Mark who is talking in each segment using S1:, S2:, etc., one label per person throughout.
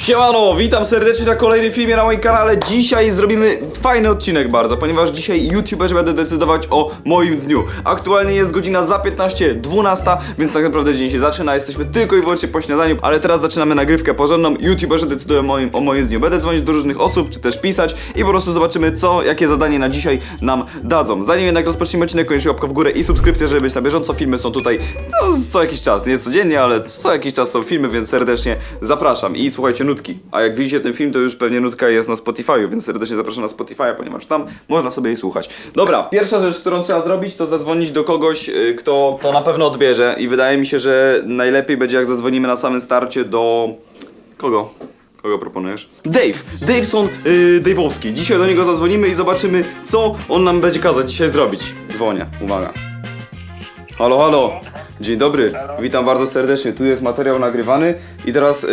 S1: Siemano, witam serdecznie na kolejnym filmie na moim kanale. Dzisiaj zrobimy fajny odcinek bardzo, ponieważ dzisiaj YouTuberzy będę decydować o moim dniu. Aktualnie jest godzina za 15:12, więc tak naprawdę dzień się zaczyna. Jesteśmy tylko i wyłącznie po śniadaniu, ale teraz zaczynamy nagrywkę porządną. YouTuberzy decydują o moim dniu. Będę dzwonić do różnych osób, czy też pisać i po prostu zobaczymy, jakie zadanie na dzisiaj nam dadzą. Zanim jednak rozpoczniemy odcinek, koniecznie łapka w górę i subskrypcja, żeby być na bieżąco. Filmy są tutaj co jakiś czas, nie codziennie, ale co jakiś czas są filmy, więc serdecznie zapraszam. I słuchajcie, nutki. A jak widzicie ten film, to już pewnie nutka jest na Spotify'u, więc serdecznie zapraszam na Spotify'a, ponieważ tam można sobie jej słuchać. Dobra, pierwsza rzecz, którą trzeba zrobić, to zadzwonić do kogoś, kto to na pewno odbierze i wydaje mi się, że najlepiej będzie, jak zadzwonimy na samym starcie do... Kogo? Kogo proponujesz? Daveson Dave'owski. Dzisiaj do niego zadzwonimy i zobaczymy, co on nam będzie kazać dzisiaj zrobić. Dzwonię, uwaga. Halo, halo. Dzień dobry. Witam bardzo serdecznie. Tu jest materiał nagrywany i teraz...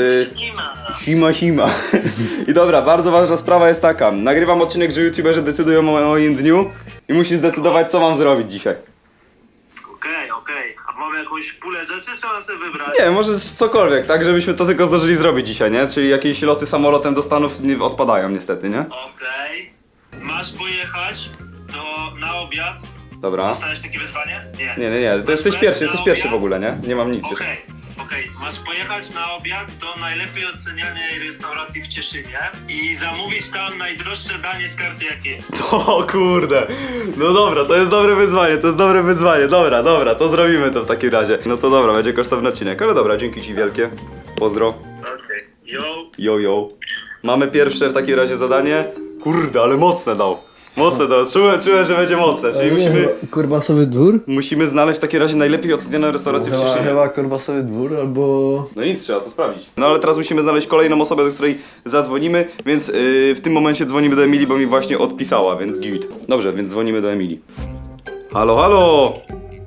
S1: Sima. I dobra, bardzo ważna sprawa jest taka. Nagrywam odcinek, że YouTuberzy decydują o moim dniu i musisz zdecydować, co mam zrobić dzisiaj.
S2: Okej. A mamy jakąś pulę rzeczy, czy mam sobie wybrać?
S1: Nie, możesz cokolwiek, tak? Żebyśmy to tylko zdążyli zrobić dzisiaj, nie? Czyli jakieś loty samolotem do Stanów nie odpadają niestety, nie?
S2: Okej. Masz pojechać na obiad.
S1: Dobra.
S2: Dostałeś takie wyzwanie? Nie.
S1: Nie. To jesteś pierwszy w
S2: obiad?
S1: ogóle, nie? Nie mam nic jeszcze.
S2: Okej. Masz pojechać na obiad do najlepiej ocenianej restauracji w Cieszynie i zamówić tam najdroższe danie z karty, jakie jest.
S1: O kurde, no dobra, to jest dobre wyzwanie, dobra, to zrobimy to w takim razie. No to dobra, będzie kosztowny odcinek, ale dobra, dzięki ci wielkie, pozdro.
S2: Okej.
S1: Yo. Mamy pierwsze w takim razie zadanie, kurde, ale mocne dał, czułem, że będzie mocne, czyli
S3: Korbasowy dwór?
S1: musimy znaleźć w takim razie najlepiej ocenioną restaurację w Cieszynie.
S3: Chyba Korbasowy dwór albo...
S1: No nic, trzeba to sprawdzić. No ale teraz musimy znaleźć kolejną osobę, do której zadzwonimy, więc w tym momencie dzwonimy do Emilii, bo mi właśnie odpisała, więc git. Dobrze, więc dzwonimy do Emilii. Halo!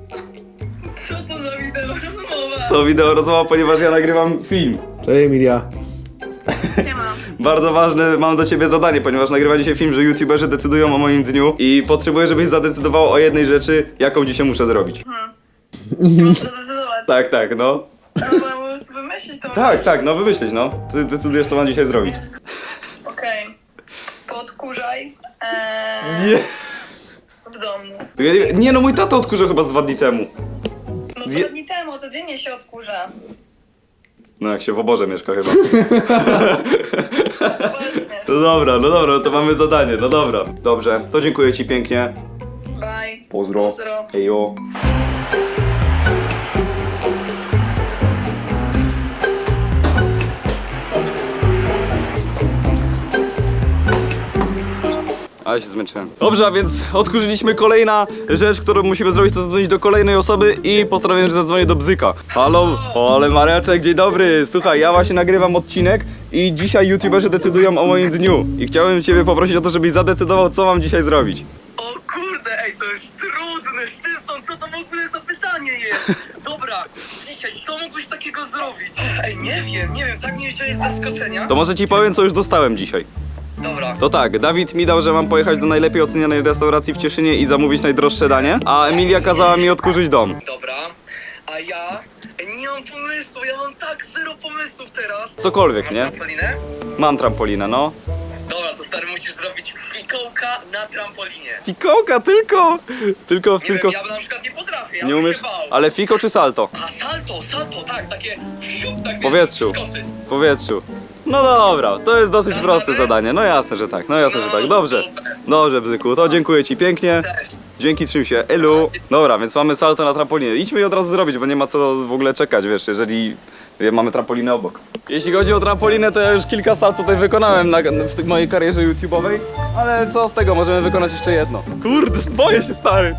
S4: Co to za wideo rozmowa?
S1: To wideo rozmowa, ponieważ ja nagrywam film.
S3: Cześć Emilia.
S4: Nie mam.
S1: Bardzo ważne, mam do ciebie zadanie, ponieważ nagrywam dzisiaj film, że YouTuberzy decydują o moim dniu i potrzebuję, żebyś zadecydował o jednej rzeczy, jaką dzisiaj muszę zrobić.
S4: Muszę zdecydować.
S1: Tak, no.
S4: No bo ja po prostu wymyślić to.
S1: Tak, no wymyślić, no. Ty decydujesz, co mam dzisiaj zrobić.
S4: Okej. Podkurzaj.
S1: Nie.
S4: W domu.
S1: Nie, no mój tata odkurzał chyba z 2 dni temu.
S4: No
S1: Wie-
S4: 2 dni temu, codziennie się odkurza.
S1: No jak się w oborze mieszka chyba.
S4: Właśnie.
S1: No dobra, no to mamy zadanie, no dobra. Dobrze, to dziękuję ci pięknie.
S4: Bye.
S1: Pozdro. Ejo. Ale się zmęczyłem. Dobrze, a więc odkurzyliśmy. Kolejna rzecz, którą musimy zrobić, to zadzwonić do kolejnej osoby i postanowiłem, że zadzwonię do Bzyka. Halo, ale Mareczek, dzień dobry. Słuchaj, ja właśnie nagrywam odcinek i dzisiaj YouTuberzy decydują o moim dniu. I chciałem ciebie poprosić o to, żebyś zadecydował, co mam dzisiaj zrobić.
S5: O kurde, ej, to jest trudne, Szczyson, co to w ogóle za pytanie jest? Dobra, dzisiaj, co mógłbyś takiego zrobić? Ej, nie wiem, tak mnie jeszcze jest zaskoczenia.
S1: To może ci powiem, co już dostałem dzisiaj.
S5: Dobra,
S1: To tak, Dawid mi dał, że mam pojechać do najlepiej ocenianej restauracji w Cieszynie i zamówić najdroższe danie, a Emilia kazała mi odkurzyć dom.
S5: dobra, a ja nie mam pomysłu, ja mam tak zero pomysłów teraz.
S1: Cokolwiek, nie?
S5: Trampolinę?
S1: Mam trampolinę, no.
S5: Dobra, to stary, musisz zrobić fikołka na trampolinie.
S1: Fikołka tylko! Tylko.
S5: Wiem, ja na przykład nie potrafię, ja
S1: Nie
S5: bym
S1: umiesz?
S5: się bał.
S1: Ale fiko czy salto?
S5: A salto, tak, takie wsiup, tak
S1: W powietrzu.
S5: skoczyć.
S1: W powietrzu. No dobra, to jest dosyć proste zadanie. No jasne, że tak. Dobrze, Bzyku, to dziękuję ci pięknie.
S5: Cześć.
S1: Dzięki, trzym się. Elu. Dobra, więc mamy salto na trampolinie. Idźmy je od razu zrobić, bo nie ma co w ogóle czekać, wiesz, jeżeli mamy trampolinę obok. Jeśli chodzi o trampolinę, to ja już kilka saltów tutaj wykonałem w mojej karierze YouTube'owej, ale co z tego, możemy wykonać jeszcze jedno. Kurde, boję się, stary.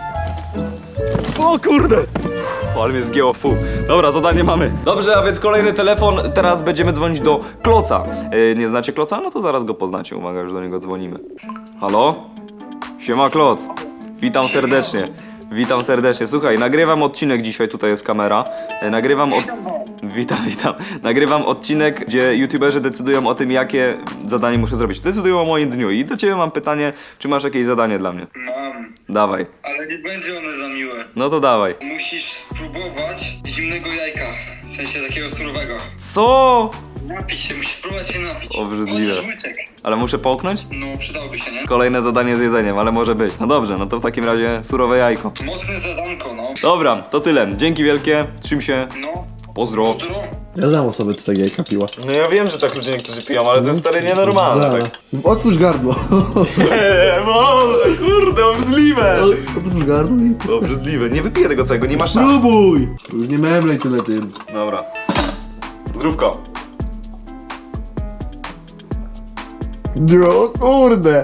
S1: O kurde! O, ale mnie zgięło w pół. Dobra, zadanie mamy. Dobrze, a więc kolejny telefon. Teraz będziemy dzwonić do Kloca. Nie znacie Kloca? No to zaraz go poznacie. Uwaga, już do niego dzwonimy. Halo? Siema, Kloc. Witam serdecznie. Słuchaj, nagrywam odcinek dzisiaj, tutaj jest kamera. Witam. Nagrywam odcinek, gdzie YouTuberzy decydują o tym, jakie zadanie muszę zrobić. Decydują o moim dniu i do ciebie mam pytanie, czy masz jakieś zadanie dla mnie?
S6: Mam,
S1: Dawaj.
S6: ale nie będzie one za miłe.
S1: No to dawaj.
S6: Musisz spróbować zimnego jajka, w sensie takiego surowego.
S1: Co?
S6: Napić się, musisz spróbować się napić.
S1: Obrzydliwe.
S6: Chociaż łyczek.
S1: Ale muszę połknąć?
S6: No, przydałoby się, nie?
S1: Kolejne zadanie z jedzeniem, ale może być. No dobrze, no to w takim razie surowe jajko.
S6: Mocne zadanko, no.
S1: Dobra, to tyle. Dzięki wielkie, trzym się,
S6: No,
S1: pozdro.
S6: pozdro.
S3: Ja znam osobę, co tak jajka piła.
S1: No ja wiem, że tak ludzie niektórzy piją, ale to jest stary nienormalne.
S3: Zara.
S1: Tak.
S3: Otwórz gardło.
S1: Boże, kurde, obrzydliwe.
S3: Otwórz gardło i...
S1: Obrzydliwe, nie wypiję tego całego, nie ma szans.
S3: Spróbuj! Już nie memlej tyle tym.
S1: Dobra. Zdrówko.
S3: O kurde!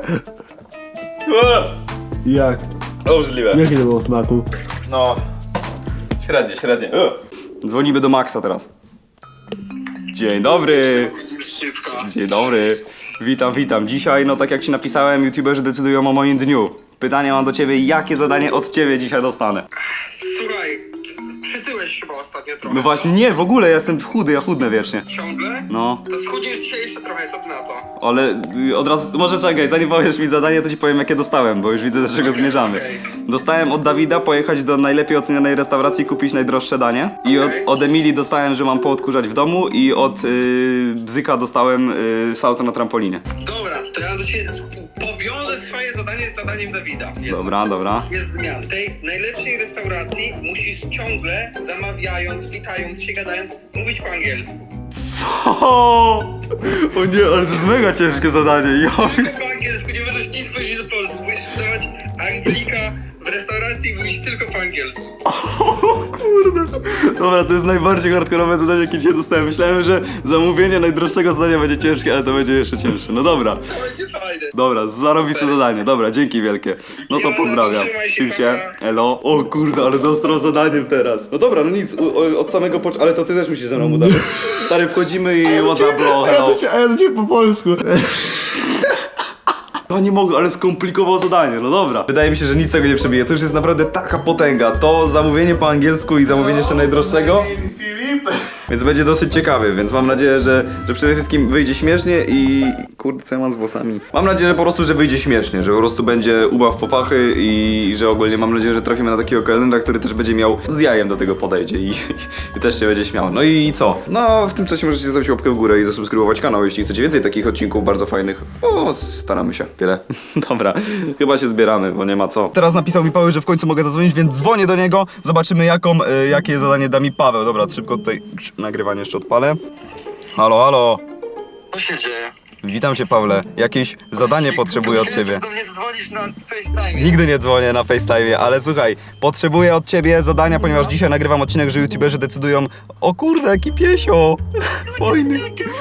S3: Jak?
S1: Obrzydliwe.
S3: Jakie to było smaku?
S1: No. Średnie. Dzwonimy do Maxa teraz. Dzień dobry.
S6: Szybko.
S1: Dzień dobry. Witam. Dzisiaj, no tak jak ci napisałem, youtuberzy decydują o moim dniu. Pytanie mam do ciebie, jakie zadanie od ciebie dzisiaj dostanę?
S5: Słuchaj, przytyłeś chyba ostatnio trochę.
S1: No właśnie, nie, w ogóle ja jestem chudy, ja chudnę wiecznie.
S5: Ciągle?
S1: No,
S5: To schudniesz dzisiaj jeszcze trochę, co ty na to?
S1: ale od razu, może czekaj, zanim powiesz mi zadanie, to ci powiem jakie dostałem, bo już widzę do czego zmierzamy.
S5: okej.
S1: Dostałem od Dawida pojechać do najlepiej ocenianej restauracji, kupić najdroższe danie. I od Emilii dostałem, że mam poodkurzać w domu i od Bzyka dostałem salto na trampolinie.
S5: Dobra, to ja do ciebie powiążę swoje zadanie z zadaniem Dawida.
S1: Dobra.
S5: Jest zmian. W tej najlepszej restauracji musisz ciągle, zamawiając, witając się, gadając, mówić po angielsku.
S1: Co? O nie, ale to jest mega ciężkie zadanie.
S5: Tylko po angielsku, nie możesz nic powiedzieć po polsku. Musisz udawać Anglika w restauracji i mówić tylko po angielsku.
S1: Kurde. Dobra, to jest najbardziej hardkorowe zadanie, jakie dzisiaj dostałem. Myślałem, że zamówienie najdroższego zadania będzie ciężkie, ale to będzie jeszcze cięższe. No dobra.
S5: To będzie fajne.
S1: Dobra, zarobiste zadanie. Dobra, dzięki wielkie. No to pozdrawiam.
S5: Trzymaj się,
S1: Czym się?
S5: papa.
S1: Elo. O kurde, ale z ostrą zadaniem teraz. No dobra, no nic, od samego ale to ty też musisz ze mną udawać. Stary, wchodzimy i WhatsApp, bro, hello.
S3: A ja do ciebie po polsku.
S1: Ja nie mogę, ale skomplikował zadanie, no dobra. Wydaje mi się, że nic z tego nie przebije. To już jest naprawdę taka potęga. To zamówienie po angielsku i zamówienie jeszcze najdroższego. Więc będzie dosyć ciekawy, więc mam nadzieję, że przede wszystkim wyjdzie śmiesznie i... Kurde, co ja mam z włosami? Mam nadzieję, że po prostu, że wyjdzie śmiesznie, że po prostu będzie ubaw po pachy i że ogólnie mam nadzieję, że trafimy na takiego kelnera, który też będzie miał z jajem do tego podejdzie i też się będzie śmiał. No i co? No, w tym czasie możecie zostawić łapkę w górę i zasubskrybować kanał, jeśli chcecie więcej takich odcinków bardzo fajnych. O, staramy się. Tyle. Dobra, chyba się zbieramy, bo nie ma co. Teraz napisał mi Paweł, że w końcu mogę zadzwonić, więc dzwonię do niego. Zobaczymy jakie zadanie da mi Paweł. Dobra, szybko tutaj nagrywanie jeszcze odpalę. Halo.
S5: Co się dzieje?
S1: Witam cię, Pawle. Jakieś zadanie potrzebuję od ciebie.
S5: do mnie dzwonisz na FaceTime.
S1: Nigdy nie dzwonię na FaceTime, ale słuchaj, potrzebuję od ciebie zadania, ponieważ dzisiaj nagrywam odcinek, że youtuberzy decydują. O kurde, jaki piesio! Fajny.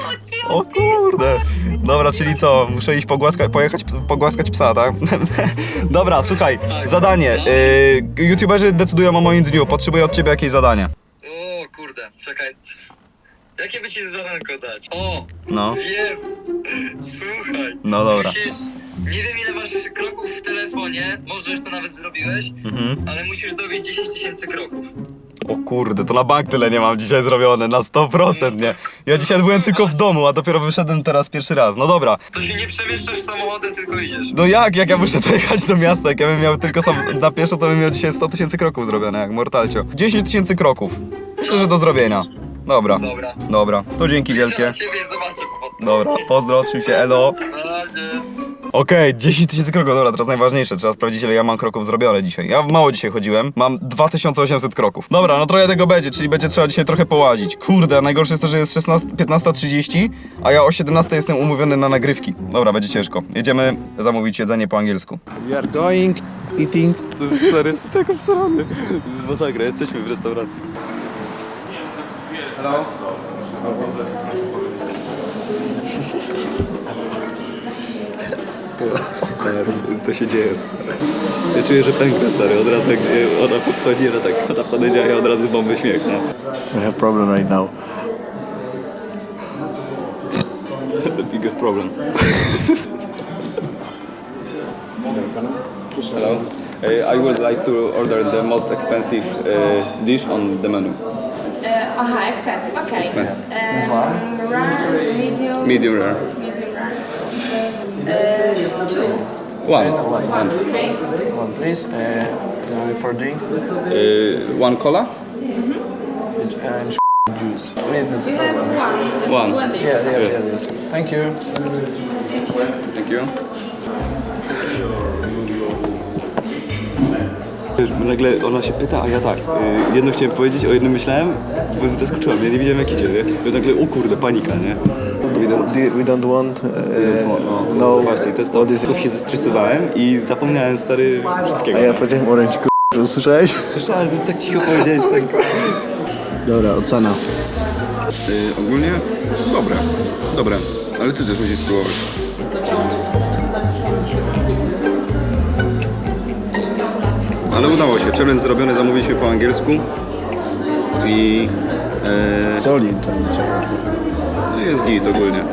S1: O kurde. Dobra, czyli co? Muszę iść pojechać pogłaskać psa, tak? Dobra, słuchaj, zadanie. YouTuberzy decydują o moim dniu. Potrzebuję od ciebie jakieś zadanie.
S5: O kurde, czekaj. Jakie by ci zadanko dać? O!
S1: No.
S5: Wiem! Słuchaj.
S1: No dobra.
S5: Musisz... Nie wiem ile masz kroków w telefonie, może już to nawet zrobiłeś, ale musisz dobić 10 000 kroków.
S1: O kurde, to na bank tyle nie mam dzisiaj zrobione, na 100%, nie? Ja dzisiaj byłem tylko w domu, a dopiero wyszedłem teraz pierwszy raz. No dobra.
S5: To się nie przemieszczasz samochodem, tylko idziesz.
S1: No jak ja muszę dojechać do miasta? Jak ja bym miał tylko sam na pieszo, to bym miał dzisiaj 100 000 kroków zrobione, jak Mortalcio. 10 000 kroków. Myślę, że do zrobienia. Dobra. Dobra, to dzięki wielkie.
S5: Na ciebie zobaczę potem.
S1: Dobra, pozdro, trzym się, elo.
S5: Na razie.
S1: Okej, 10 000 kroków, dobra, teraz najważniejsze, trzeba sprawdzić ile ja mam kroków zrobione dzisiaj. Ja mało dzisiaj chodziłem, mam 2800 kroków. Dobra, no trochę tego będzie, czyli będzie trzeba dzisiaj trochę połazić. Kurde, najgorsze jest to, że jest 15:30, a ja o 17 jestem umówiony na nagrywki. Dobra, będzie ciężko. Jedziemy zamówić jedzenie po angielsku.
S3: We are going, eating.
S1: To jest stary, jest tak obsrany. Masakra, jesteśmy w restauracji. Stary, to się dzieje, stary. Ja czuję, że pęknę, stary, od razu jak ona podchodzi, że tak, ona podejdzie, a ja od razu bomby śmiech, no.
S3: I have problem right now.
S1: The biggest problem. Hello. I would like to order the most expensive dish on the menu.
S7: Expensive. Okay.
S1: Expensive.
S3: This one?
S7: Rare, medium.
S1: Medium rare.
S7: Medium rare. Two.
S1: One.
S7: Okay.
S3: One please. For drink.
S1: One cola?
S3: Orange juice. It is
S7: You have one.
S1: One.
S7: One.
S3: Yeah, yes. Thank you.
S1: Thank you. Wiesz, bo nagle ona się pyta, a ja tak. Jedno chciałem powiedzieć, o jednym myślałem, bo zaskoczyłem, ja nie wiedziałem jak idzie, nie? I nagle, o kurde, panika, nie?
S3: We don't want.
S1: No właśnie, to jest to. Tylko się zestresowałem i zapomniałem, stary, wszystkiego.
S3: A ja powiedziałem orange k***, usłyszałeś?
S1: Słyszałem, ty tak cicho powiedziałeś, tak.
S3: Dobra, ocena.
S1: Ogólnie dobre, ale ty też musisz spróbować. Ale udało się, challenge zrobiony, zamówiliśmy po angielsku i
S3: Solid to nie trzeba.
S1: jest git ogólnie.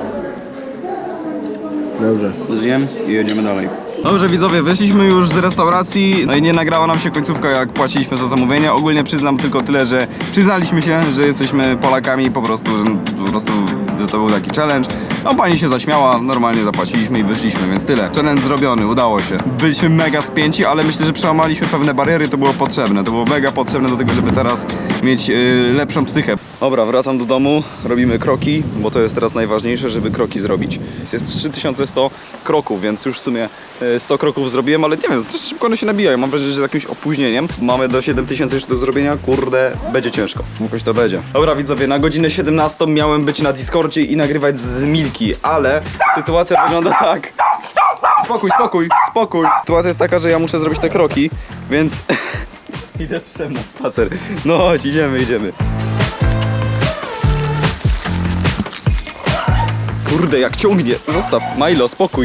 S3: Dobrze.
S1: Zjem i jedziemy dalej. Dobrze widzowie, wyszliśmy już z restauracji, no i nie nagrała nam się końcówka jak płaciliśmy za zamówienie. Ogólnie przyznam tylko tyle, że przyznaliśmy się, że jesteśmy Polakami po prostu, że to był taki challenge. No pani się zaśmiała, normalnie zapłaciliśmy i wyszliśmy, więc tyle. Challenge zrobiony, udało się. Byliśmy mega spięci, ale myślę, że przełamaliśmy pewne bariery, to było potrzebne. To było mega potrzebne do tego, żeby teraz mieć lepszą psychę. Dobra, wracam do domu, robimy kroki, bo to jest teraz najważniejsze, żeby kroki zrobić. Jest 3100 kroków, więc już w sumie 100 kroków zrobiłem, ale nie wiem, strasznie szybko one się nabijają. Mam wrażenie, że z jakimś opóźnieniem. Mamy do 7000 jeszcze do zrobienia, kurde, będzie ciężko. Jakoś to będzie. Dobra widzowie, na godzinę 17 miałem być na Discordzie i nagrywać z Milki, ale sytuacja wygląda tak. Spokój. Sytuacja jest taka, że ja muszę zrobić te kroki, więc idę z psem na spacer. No chodź, idziemy. Kurde, jak ciągnie. Zostaw, Milo, spokój.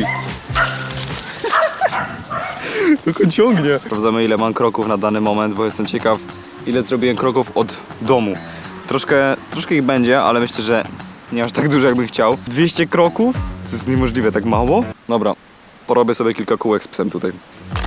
S1: Jak on ciągnie. Sprawdzamy, ile mam kroków na dany moment, bo jestem ciekaw, ile zrobiłem kroków od domu. Troszkę ich będzie, ale myślę, że nie aż tak dużo, jakbym chciał. 200 kroków? To jest niemożliwe, tak mało? Dobra, porobię sobie kilka kółek z psem tutaj.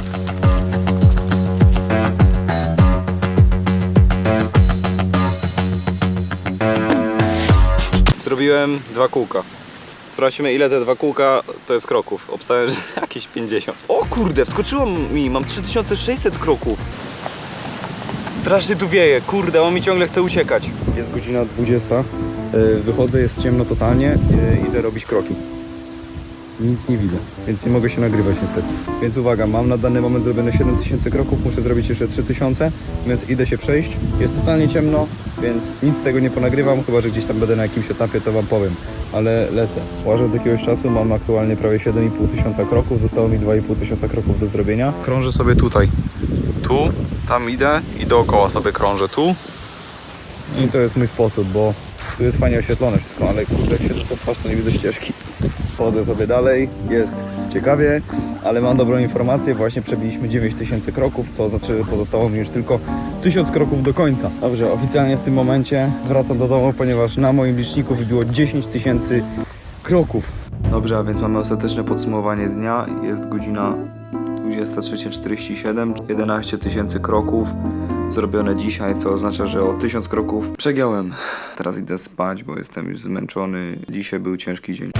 S1: Zrobiłem 2 kółka. Sprawdźmy, ile te 2 kółka to jest kroków. Obstałem, że jakieś 50. O kurde, wskoczyło mi, mam 3600 kroków. Strasznie tu wieje, kurde, on mi ciągle chce uciekać. Jest godzina 20, wychodzę, jest ciemno totalnie, idę robić kroki. Nic nie widzę, więc nie mogę się nagrywać niestety. Więc uwaga, mam na dany moment zrobione 7000 kroków, muszę zrobić jeszcze 3000, więc idę się przejść. Jest totalnie ciemno, więc nic z tego nie ponagrywam, chyba że gdzieś tam będę na jakimś etapie, to wam powiem. Ale lecę. Łażę od jakiegoś czasu, mam aktualnie prawie 7500 kroków, zostało mi 2500 kroków do zrobienia. Krążę sobie tutaj. Tu, tam idę i dookoła sobie krążę tu. I to jest mój sposób, bo tu jest fajnie oświetlone wszystko, ale kurde, jak się to twarz, to nie widzę ścieżki. Chodzę sobie dalej, jest ciekawie, ale mam dobrą informację, właśnie przebiliśmy 9000 kroków, co znaczy pozostało mi już tylko 1000 kroków do końca. Dobrze, oficjalnie w tym momencie wracam do domu, ponieważ na moim liczniku wybiło 10 000 kroków. Dobrze, a więc mamy ostateczne podsumowanie dnia, jest godzina 23:47, 11 000 kroków zrobione dzisiaj, co oznacza, że o 1000 kroków przegiąłem. Teraz idę spać, bo jestem już zmęczony. Dzisiaj był ciężki dzień.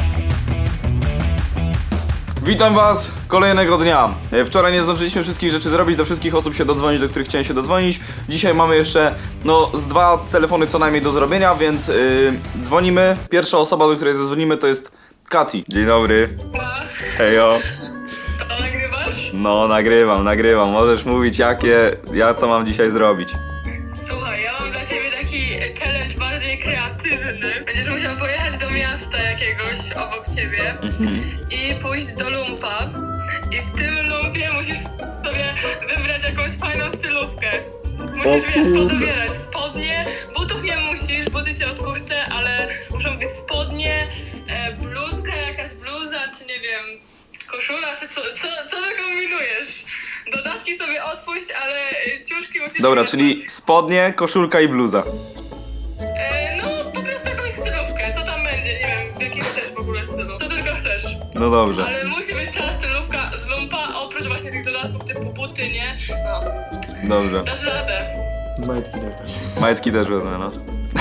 S1: Witam was kolejnego dnia. Wczoraj nie zdążyliśmy wszystkich rzeczy zrobić, do wszystkich osób się dodzwonić, do których chciałem się dodzwonić. Dzisiaj mamy jeszcze, z 2 telefony co najmniej do zrobienia, więc dzwonimy. Pierwsza osoba, do której zadzwonimy, to jest Kati. Dzień dobry. Hejo.
S4: To nagrywasz?
S1: No, nagrywam. Możesz mówić, co mam dzisiaj zrobić.
S4: Słuchaj, ja mam dla ciebie taki challenge bardziej kreatywny. Będziesz musiał pojechać do miasta jakiegoś obok ciebie i pójść do lumpa. I w tym lumpie musisz sobie wybrać jakąś fajną stylówkę. Musisz, podobierać spodnie, butów nie musisz, buty cię odpuszczę, ale muszą być spodnie, bluzka, jakaś bluza, czy nie wiem, koszula, czy co ty kombinujesz? Dodatki sobie odpuść, ale ciuszki musisz...
S1: Dobra,
S4: wybrać.
S1: czyli spodnie, koszulka i bluza.
S4: No, po prostu jakąś stylówkę, co tam będzie, nie wiem, w jakim chcesz w ogóle stylu, co tylko chcesz.
S1: No dobrze.
S4: Ale musi być cała stylówka z lumpa, oprócz właśnie tych dodatków typu buty, nie? No,
S1: Dobrze.
S4: dasz radę.
S1: Majtki też wezmę, no.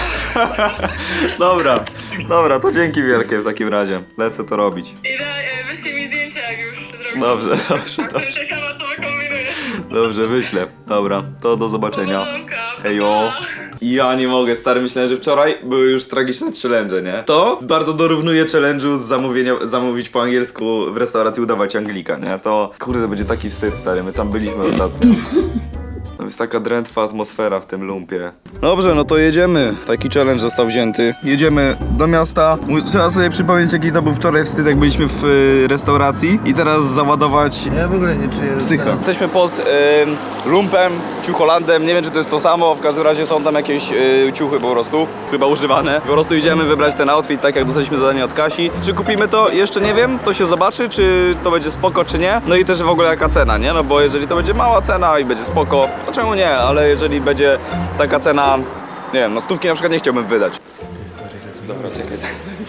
S1: Dobra, to dzięki wielkie w takim razie. Lecę to robić.
S4: I wyślij mi zdjęcia, jak już zrobisz.
S1: Dobrze.
S4: Jestem ciekawa, co wykombinujesz.
S1: Dobrze, wyślę. Dobra, to do zobaczenia.
S4: Powodzonka, pa,
S1: Hejo.
S4: pa.
S1: Ja nie mogę, stary, myślałem, że wczoraj były już tragiczne challenge, nie? To bardzo dorównuje challenge'u z zamówić po angielsku w restauracji, udawać Anglika, nie? To, kurde, to będzie taki wstyd, stary, my tam byliśmy ostatnio. To jest taka drętwa atmosfera w tym lumpie. Dobrze, no to jedziemy. Taki challenge został wzięty. Jedziemy do miasta. Trzeba sobie przypomnieć, jaki to był wczoraj wstyd, jak byliśmy w restauracji. I teraz załadować
S3: Ja w ogóle nie czuję.
S1: psycha. Jesteśmy pod lumpem, ciucholandem. Nie wiem, czy to jest to samo. W każdym razie są tam jakieś ciuchy po prostu. Chyba używane. Po prostu idziemy wybrać ten outfit, tak jak dostaliśmy zadanie od Kasi. Czy kupimy to? Jeszcze nie wiem. To się zobaczy, czy to będzie spoko, czy nie. No i też w ogóle jaka cena, nie? No bo jeżeli to będzie mała cena i będzie spoko, to czemu nie? Ale jeżeli będzie taka cena, nie wiem, no 100 na przykład nie chciałbym wydać. Dobra, czekaj.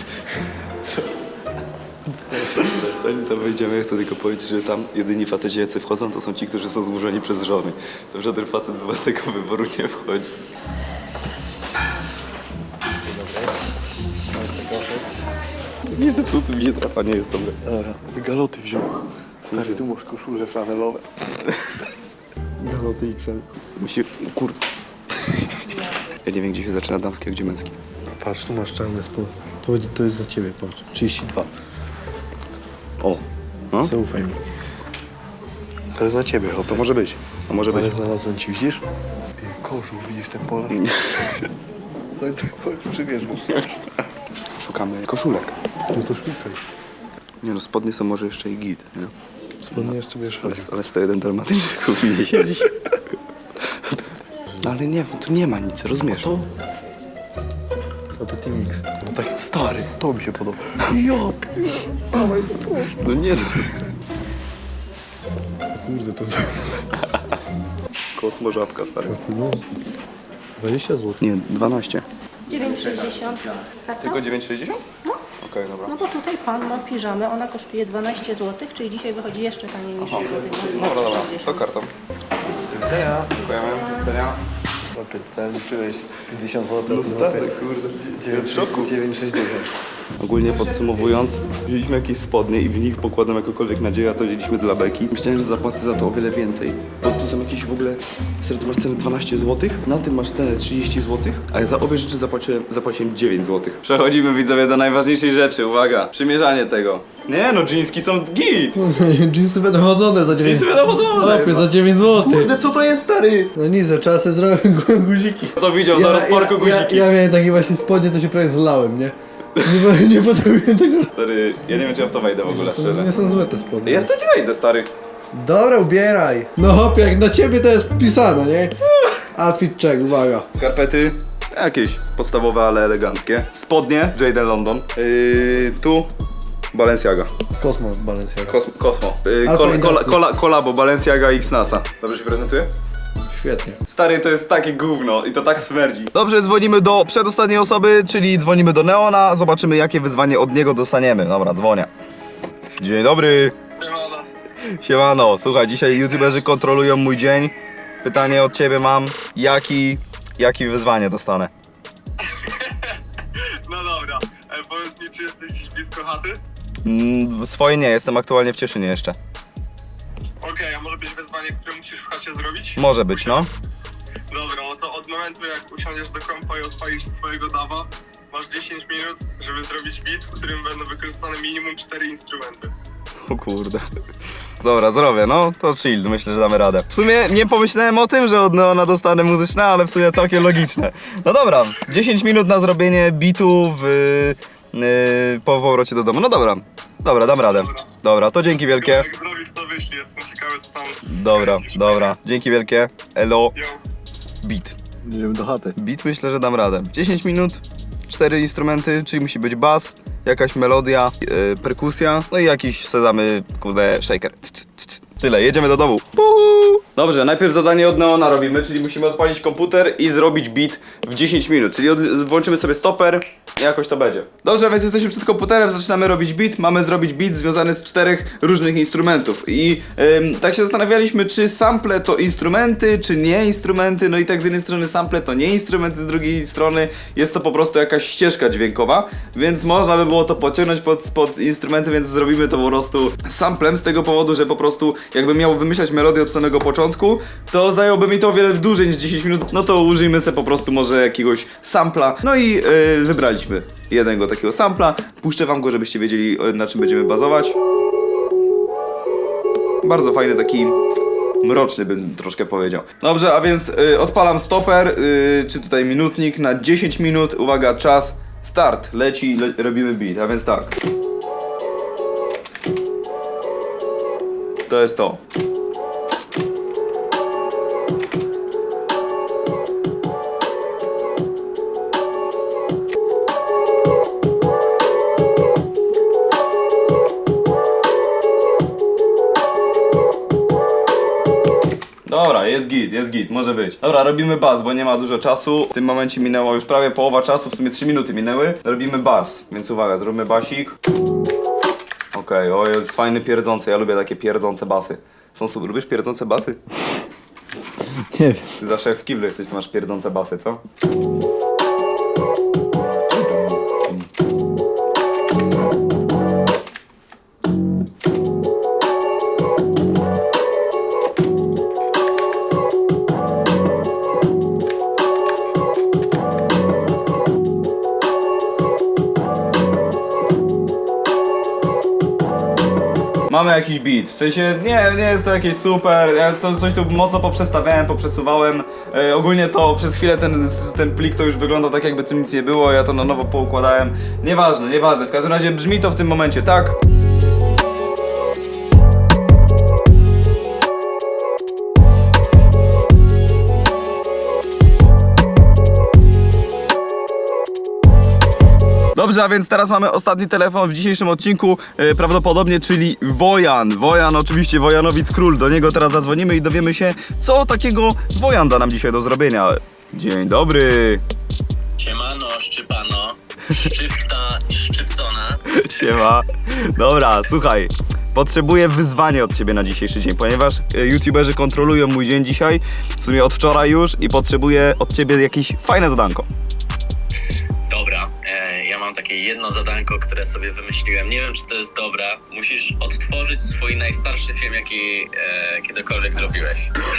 S1: Zanim tam wejdziemy, ja chcę tylko powiedzieć, że tam jedyni faceci, jacy wchodzą, to są ci, którzy są zmuszeni przez żony. To żaden facet z własnego wyboru nie wchodzi. Nie zepsuty mi się trafa, nie jest dobre.
S3: Dobra, galoty wziął. Stary, tu masz koszule flanelowe. Galoty XL.
S1: Musi... Kurde. Ja nie wiem, gdzie się zaczyna damskie, a gdzie męskie.
S3: Patrz, tu masz czarne spodnie. To jest dla ciebie, patrz. 32.
S1: O, no?
S3: Zaufaj mi. To jest dla ciebie, hop.
S1: To może być. To może być.
S3: Ale znalazłem ci, widzisz? Kożuch, widzisz ten pole? Chodź, przybierz go.
S1: Szukamy koszulek.
S3: No to szukaj.
S1: Nie no, spodnie są może jeszcze i git, nie?
S3: Spodnie jeszcze będziesz chodził.
S1: Ale 101 dalmatyńczyków mi nie siedzi. No ale nie, tu nie ma nic, rozumiesz?
S3: To? Petit Mix. No taki stary, to mi się podoba. Ja dawaj, proszę.
S1: No nie, no.
S3: Kurde, to za...
S1: Kosmo żabka, stary.
S3: No. 20 zł.
S1: Nie, 12.
S8: 9,60. Karta?
S1: Tylko 9,60?
S8: No.
S1: Okej, dobra.
S8: No bo tutaj pan ma piżamę, ona kosztuje 12 zł, czyli dzisiaj wychodzi jeszcze taniej niż złotych.
S1: Dobra, dobra, to kartą.
S3: Widzenia.
S1: Dziękujemy. Widzenia.
S3: Opie, tutaj liczyłeś 50 zł.
S1: No stary, kurde.
S3: 9,60.
S1: Ogólnie podsumowując, wzięliśmy jakieś spodnie i w nich pokładam jakąkolwiek nadzieję, a to wzięliśmy dla beki. Myślałem, że zapłacę za to o wiele więcej, bo tu są jakieś w ogóle... Serio, tu masz cenę 12 zł, na tym masz cenę 30 zł, a ja za obie rzeczy zapłaciłem 9 zł. Przechodzimy, widzowie, do najważniejszej rzeczy, uwaga, przymierzanie tego. Nie no, dżinski są git!
S3: Jeansy będą chodzone za 9
S1: Dżinsy będą chodzone!
S3: Opie, za 9 zł.
S1: Kurde, co to jest, stary?
S3: No nic, trzeba sobie zrobić guziki.
S1: Kto widział za rozporku guziki?
S3: Ja miałem takie właśnie spodnie, to się prawie zlałem, nie? Nie potrafiłem tego...
S1: Stary, ja nie wiem, czy ja w to wejdę w ogóle, szczerze.
S3: Nie są złe te spodnie.
S1: Ja w to nie wejdę, stary.
S3: Dobra, ubieraj. No hop, jak na ciebie to jest pisane, nie? Outfit check, uwaga.
S1: Skarpety, jakieś podstawowe, ale eleganckie. Spodnie, Jadon London. Tu Balenciaga.
S3: Kosmos Balenciaga.
S1: Kosmo.
S3: Alfa Industries.
S1: Kolabo Balenciaga X NASA. Dobrze się prezentuje?
S3: Świetnie.
S1: Stary, to jest takie gówno i to tak smerdzi. Dobrze, dzwonimy do przedostatniej osoby, czyli dzwonimy do Neona. Zobaczymy, jakie wyzwanie od niego dostaniemy. Dobra, dzwonię. Dzień dobry. Siemano, słuchaj, dzisiaj youtuberzy kontrolują mój dzień. Pytanie od ciebie mam, jakie wyzwanie dostanę?
S9: No dobra, powiedz mi, czy jesteś gdzieś blisko chaty?
S1: Swoje nie, jestem aktualnie w Cieszynie jeszcze.
S9: Okej, a może być wyzwanie, które musisz w chacie zrobić?
S1: Może być, no.
S9: Dobra, no to od momentu jak usiądziesz do kompa i odpalisz swojego dawa, masz 10 minut, żeby zrobić beat, w którym będą wykorzystane minimum 4 instrumenty.
S1: O kurde. Dobra, zrobię, no to chill, myślę, że damy radę. W sumie nie pomyślałem o tym, że od Neona dostanę muzyczne, ale w sumie całkiem logiczne. No dobra, 10 minut na zrobienie beatu po powrocie do domu. No dobra, dam radę. Dobra, to dzięki wielkie.
S9: Jak zrobisz, to wyślij, jestem ciekawy, co tam...
S1: Dobra, dzięki wielkie. Elo.
S9: Yo.
S1: Beat.
S3: Idziemy do chaty.
S1: Beat myślę, że dam radę. 10 minut, 4 instrumenty, czyli musi być bas, jakaś melodia, perkusja, no i jakiś sobie damy, kurde, shaker. Tyle, jedziemy do domu. Dobrze, najpierw zadanie od Neona robimy, czyli musimy odpalić komputer i zrobić beat w 10 minut, czyli włączymy sobie stoper i jakoś to będzie. Dobrze, więc jesteśmy przed komputerem, zaczynamy robić beat. Mamy zrobić beat związany z 4 różnych instrumentów i tak się zastanawialiśmy, czy sample to instrumenty, czy nie instrumenty. No i tak z jednej strony sample to nie instrumenty, z drugiej strony jest to po prostu jakaś ścieżka dźwiękowa, więc można by było to pociągnąć pod instrumenty, więc zrobimy to po prostu samplem z tego powodu, że po prostu jakbym miał wymyślać melodię od samego początku, to zajęłoby mi to o wiele dłużej niż 10 minut, no to użyjmy sobie po prostu może jakiegoś sampla. No i wybraliśmy jednego takiego sampla. Puszczę wam go, żebyście wiedzieli, na czym będziemy bazować. Bardzo fajny, taki mroczny bym troszkę powiedział. Dobrze, a więc odpalam stoper, czy tutaj minutnik na 10 minut. Uwaga, czas, start, leci, robimy beat, a więc tak. To jest to. Dobra, jest git, może być. Dobra, robimy bas, bo nie ma dużo czasu. W tym momencie minęła już prawie połowa czasu, w sumie 3 minuty minęły. Robimy bas, więc uwaga, zróbmy basik. Okej, o, jest fajny pierdzący, ja lubię takie pierdzące basy. Są super, lubisz pierdzące basy?
S3: Nie wiem.
S1: Ty zawsze jak w kiblu jesteś, to masz pierdzące basy, co? Mamy jakiś beat, w sensie nie jest to jakieś super, ja to coś tu mocno poprzestawiałem, poprzesuwałem. Ogólnie to przez chwilę ten plik to już wyglądał tak, jakby tu nic nie było, ja to na nowo poukładałem. Nieważne, w każdym razie brzmi to w tym momencie tak. Dobrze, a więc teraz mamy ostatni telefon w dzisiejszym odcinku, prawdopodobnie, czyli Wojan. Wojan, oczywiście Wojanowic Król. Do niego teraz zadzwonimy i dowiemy się, co takiego Wojan da nam dzisiaj do zrobienia. Dzień dobry.
S5: Siemano, szczypano, szczypta, szczypcona.
S1: Siema. Dobra, słuchaj. Potrzebuję wyzwanie od ciebie na dzisiejszy dzień, ponieważ youtuberzy kontrolują mój dzień dzisiaj, w sumie od wczoraj już, i potrzebuję od ciebie jakieś fajne zadanko.
S5: Dobra, ja mam takie jedno zadanko, które sobie wymyśliłem. Nie wiem, czy to jest dobra. Musisz odtworzyć swój najstarszy film, jaki kiedykolwiek zrobiłeś.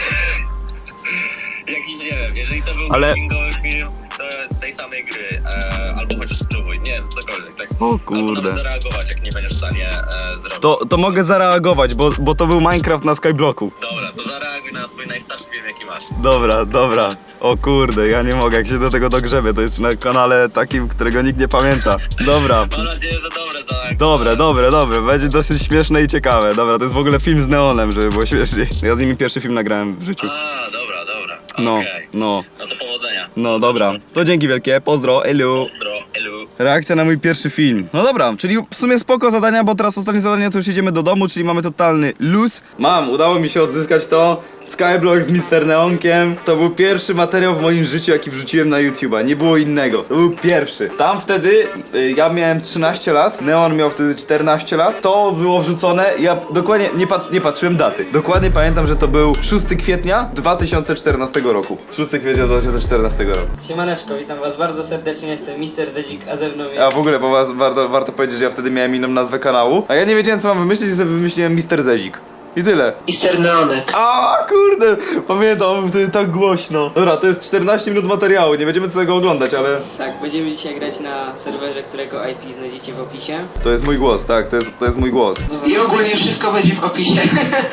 S5: Jakiś, nie wiem, jeżeli to był gamingowy film, to z tej samej gry, albo chociaż spróbuj, nie wiem, cokolwiek, tak?
S1: O
S5: Albo
S1: kurde.
S5: nawet zareagować, jak nie będziesz w stanie zrobić.
S1: To mogę zareagować, bo to był Minecraft na Skyblocku.
S5: Dobra, to zareaguj na swój najstarszy film, jaki masz.
S1: Dobra. O kurde, ja nie mogę, jak się do tego dogrzebie, to jeszcze na kanale takim, którego nikt nie pamięta. Dobra.
S5: Mam nadzieję, że dobre zadanko.
S1: Dobre, będzie dosyć śmieszne i ciekawe. Dobra, to jest w ogóle film z Neonem, żeby było śmieszniej. Ja z nimi pierwszy film nagrałem w życiu.
S5: A, dobra.
S1: No,
S5: Okej.
S1: no.
S5: No to powodzenia.
S1: No dobra, to dzięki wielkie, pozdro, elu.
S5: Pozdro, elu.
S1: Reakcja na mój pierwszy film. No dobra, czyli w sumie spoko zadania, bo teraz ostatnie zadanie to już jedziemy do domu, czyli mamy totalny luz. Udało mi się odzyskać to. Skyblock z Mr. Neonkiem. To był pierwszy materiał w moim życiu, jaki wrzuciłem na YouTube'a. Nie było innego. To był pierwszy. Tam wtedy ja miałem 13 lat, Neon miał wtedy 14 lat. To było wrzucone. Ja dokładnie nie patrzyłem daty. Dokładnie pamiętam, że to był 6 kwietnia 2014 roku. 6 kwietnia 2014 roku.
S10: Siemaneczko, witam was bardzo serdecznie, jestem Mr. Zezik, a ze mną jest...
S1: A w ogóle, bo warto powiedzieć, że ja wtedy miałem inną nazwę kanału, a ja nie wiedziałem, co mam wymyślić, i sobie wymyśliłem Mr. Zezik. I tyle.
S10: Mr. Neonek.
S1: A kurde, pamiętam, wtedy tak głośno. Dobra, to jest 14 minut materiału, nie będziemy tego oglądać, ale
S10: Tak, będziemy dzisiaj grać na serwerze, którego IP znajdziecie w opisie.
S1: to jest mój głos, tak, to jest mój głos.
S10: I ogólnie wszystko będzie w opisie.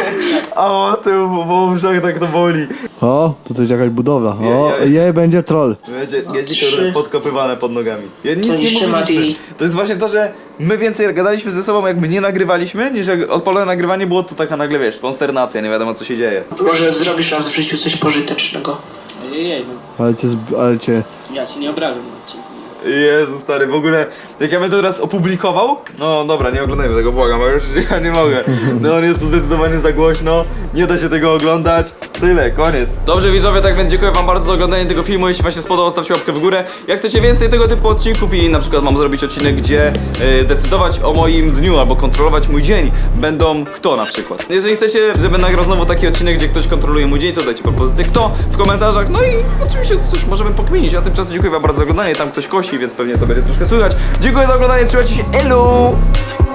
S1: A o tył, bo uszach tak to boli.
S3: O, tu coś jakaś budowla. O,
S1: Je.
S3: będzie troll.
S1: Będzie to podkopywane pod nogami. Ja nic nie
S10: niszczy
S1: mówiliśmy.
S10: Mati.
S1: To jest właśnie to, że my więcej gadaliśmy ze sobą, jak my nie nagrywaliśmy, niż jak odpalone nagrywanie było, to taka nagle, wiesz, konsternacja, nie wiadomo co się dzieje.
S10: Może zrobisz raz w życiu coś pożytecznego. Ojej, no.
S3: Ale cię...
S10: Ja ci nie obrażam na odcinku.
S1: Jezu stary, w ogóle jak ja bym to teraz opublikował, no dobra, nie oglądajmy tego, błagam, bo już ja nie mogę. No on jest to zdecydowanie za głośno, nie da się tego oglądać. Tyle, koniec. Dobrze widzowie, tak więc dziękuję wam bardzo za oglądanie tego filmu. Jeśli wam się spodobał, stawcie łapkę w górę. Jak chcecie więcej tego typu odcinków i na przykład mam zrobić odcinek, gdzie decydować o moim dniu albo kontrolować mój dzień będą kto na przykład. Jeżeli chcecie, żebym nagrał znowu taki odcinek, gdzie ktoś kontroluje mój dzień, to dajcie propozycję kto w komentarzach. No i oczywiście coś możemy pokminić. A tymczasem dziękuję wam bardzo za oglądanie. Tam ktoś kosi, więc pewnie to będzie troszkę słychać. Dziękuję za oglądanie, trzymajcie się, elu!